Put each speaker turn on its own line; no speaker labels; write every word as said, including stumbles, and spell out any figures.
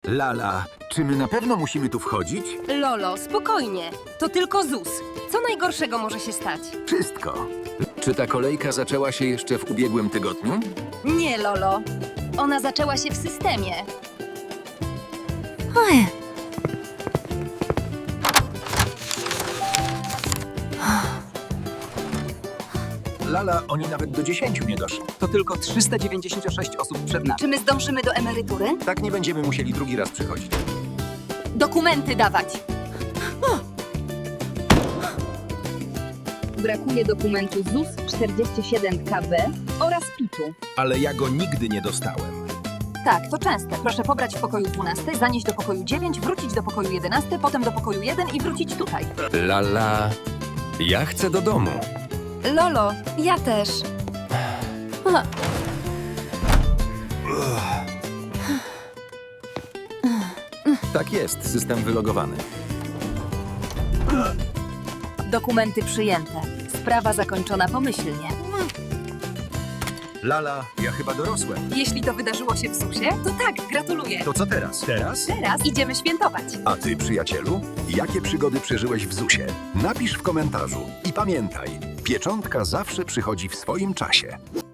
Lala, czy my na pewno musimy tu wchodzić?
Lolo, spokojnie. To tylko Z U S. Co najgorszego może się stać?
Wszystko. Czy ta kolejka zaczęła się jeszcze w ubiegłym tygodniu?
Nie, Lolo. Ona zaczęła się w systemie.
Oj.
Lala, oni nawet do dziesięciu nie doszli.
To tylko trzysta dziewięćdziesiąt sześć osób przed nami.
Czy my zdążymy do emerytury?
Tak nie będziemy musieli drugi raz przychodzić.
Dokumenty dawać.
Brakuje dokumentu Z U S czterdzieści siedem K B oraz PIT-u.
Ale ja go nigdy nie dostałem.
Tak, to częste. Proszę pobrać w pokoju dwunastym, zanieść do pokoju dziewięć, wrócić do pokoju jedenastego, potem do pokoju jeden i wrócić tutaj.
Lala, ja chcę do domu.
Lolo, ja też.
Tak jest, system wylogowany.
Dokumenty przyjęte. Sprawa zakończona pomyślnie.
Lala, ja chyba dorosłem.
Jeśli to wydarzyło się w Z U S-ie, to tak, gratuluję.
To co teraz? Teraz?
Teraz idziemy świętować.
A ty, przyjacielu? Jakie przygody przeżyłeś w Z U S-ie? Napisz w komentarzu. I pamiętaj, pieczątka zawsze przychodzi w swoim czasie.